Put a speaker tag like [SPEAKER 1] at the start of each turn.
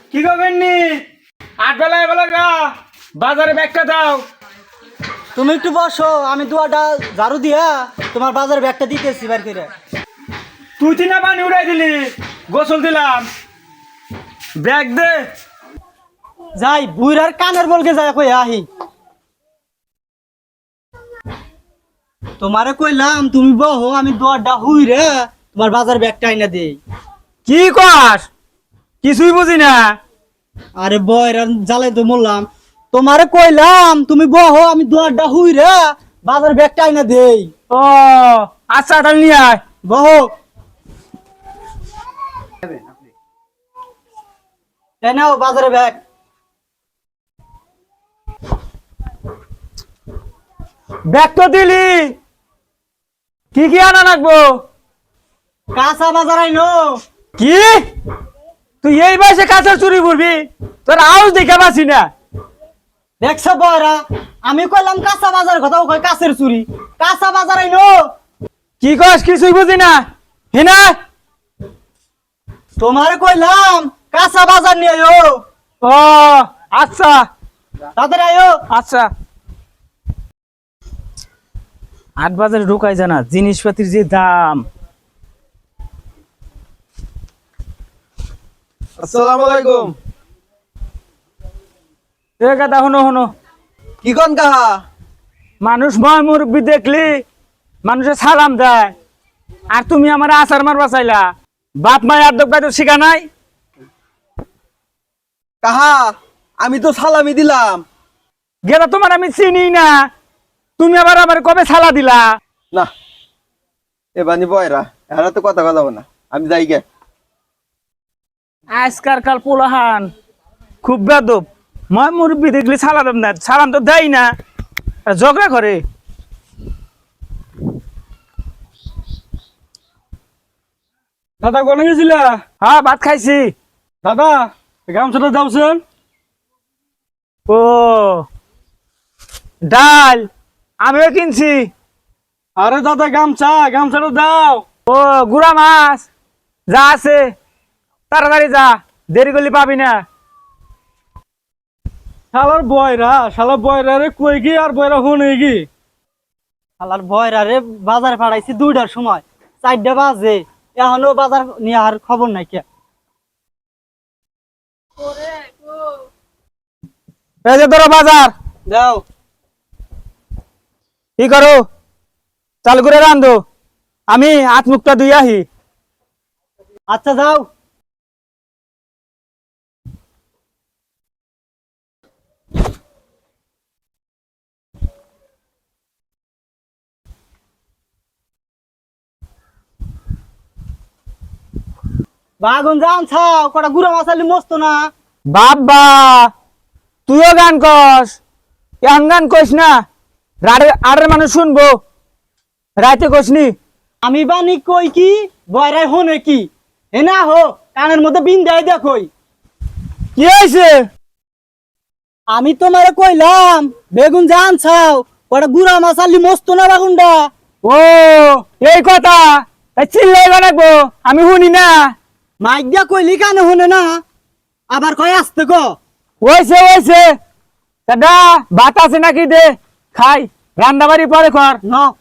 [SPEAKER 1] কি করবেন নি? আট বেলায় বলো গা বাজারে ব্যাগটা দাও।
[SPEAKER 2] তুমি একটু বসো, আমি দুয়াটা ঝাড়ু দিয়া তোমার বাজার ব্যাগটা দিতেছি বার করে।
[SPEAKER 1] তুই তিনা পানি উড়াই দিলি, গোসল দিলাম, ব্যাগ দে।
[SPEAKER 2] যাই বুইরার কানের বলকে যাই কই আহি। তোমারে কইলাম তুমি বহো, আমি দুয়াটা হুই রে তোমার বাজার ব্যাগটা আইনা দেই।
[SPEAKER 1] কি কস? কিছুই বুঝি না।
[SPEAKER 2] আরে বয়রা জ্বালাই তো মরলাম। তোমারে কইলাম তুমি বহো, আমি দুয়াটা হুই রে বাজার ব্যাগটা আইনা দেই।
[SPEAKER 1] ও আচ্ছা, তাহলে নিয়ে আয়।
[SPEAKER 2] বহো। এই নাও বাজারে ব্যাগ।
[SPEAKER 1] ব্যাগ তো দিলি, কি কি আনা লাগবো?
[SPEAKER 2] কাঁচা বাজার আইনো।
[SPEAKER 1] কি তুই এই বয়সে কাঁচা চুরি করবি? তোর আউস দেখে পাচ্ছি না।
[SPEAKER 2] দেখছো বয়রা, আমি কইলাম কাঁচা বাজার কথা, ও কয় কাছের চুরি। কাঁচা বাজার আইনো।
[SPEAKER 1] কি কস? কিছুই বুঝি না। হিনা
[SPEAKER 2] তোমারে কইলাম কাঁচা বাজার নিয়ে আইও।
[SPEAKER 1] ও আচ্ছা
[SPEAKER 2] তাদের আইও।
[SPEAKER 1] আচ্ছা। ৮ বাজারে ঢুকাই জানা জিনিসপাতির যে দাম।
[SPEAKER 3] আসসালামু আলাইকুম।
[SPEAKER 1] এ কথা হনো হনো,
[SPEAKER 3] কি কোন কাহা?
[SPEAKER 1] মানুষ ময় মুরব্বী দেখলি মানুষের সালাম দেয়, আর তুমি আমার আচার মারবা চাইলা। বাপ মায় আর দোকান শিখা নাই?
[SPEAKER 3] কাহা আমি তো সালামি দিলাম।
[SPEAKER 1] গেলা তোমার আমি চিনি না, তুমি আবার আমার কবে সালা দিলা?
[SPEAKER 3] না এবানি বয়রা এরা তো কথা কথা না, আমি যাই গে।
[SPEAKER 1] আজকার কাল পোলাহান খুব বেদব। ময় মুরব্বী দেখলি সালা দেব না, সালাম তো দেয় না, আর ঝগড়া করে।
[SPEAKER 4] দাদা কোনে গেছিলা?
[SPEAKER 1] হ্যাঁ ভাত খাইছি।
[SPEAKER 4] দাদা গামছাটা যাওছেন?
[SPEAKER 1] ও ডাল আমিও কিনছি।
[SPEAKER 4] আরে দাদা গামছাটা দাও।
[SPEAKER 1] ও গুড়া মাছ যা আছে তাড়াতাড়ি যা, দেরি করলে পাবি না।
[SPEAKER 4] শালার বয়রা রে কই কি আর বয়রা হনে কি?
[SPEAKER 2] শালার বয়রা রে বাজারে পাঠাইছি 2টার সময়, 4টা বাজে এখনো বাজার নিয়ে আর খবর নাই কে।
[SPEAKER 1] এই যে ধরো বাজার,
[SPEAKER 2] দাও।
[SPEAKER 1] কি করো? চালু করে রান্ধো, আমি হাত মুখটা ধুই আহি।
[SPEAKER 2] আচ্ছা যাও। বাগুন জান ছাও কটা গুড়া মাছালি মস্ত না।
[SPEAKER 1] বাবা তুইও গান কস? এখন গান কইস না, আড়ের মানুষ শুনবো। রাতে কসনি?
[SPEAKER 2] আমি বানি কই কি বয়রাই হনে কি? এ না হো কানের মধ্যে বিন দেয় দেখই।
[SPEAKER 1] কি হয়েছে?
[SPEAKER 2] আমি তোমারে কইলাম বেগুন জান ছাও কটা গুড়া মাছালি মস্ত না বাগুনটা।
[SPEAKER 1] ও এই কথা, তাই চিল্লাই বানাবো আমি শুনি না?
[SPEAKER 2] মাইক দিয়া কইলি কানে হনে না, আবার কয় আসতে ক।
[SPEAKER 1] ওইছে দাদা ভাত আছে নাকি? দে খাই, রান্না বাড়ি পরে কর।
[SPEAKER 2] ন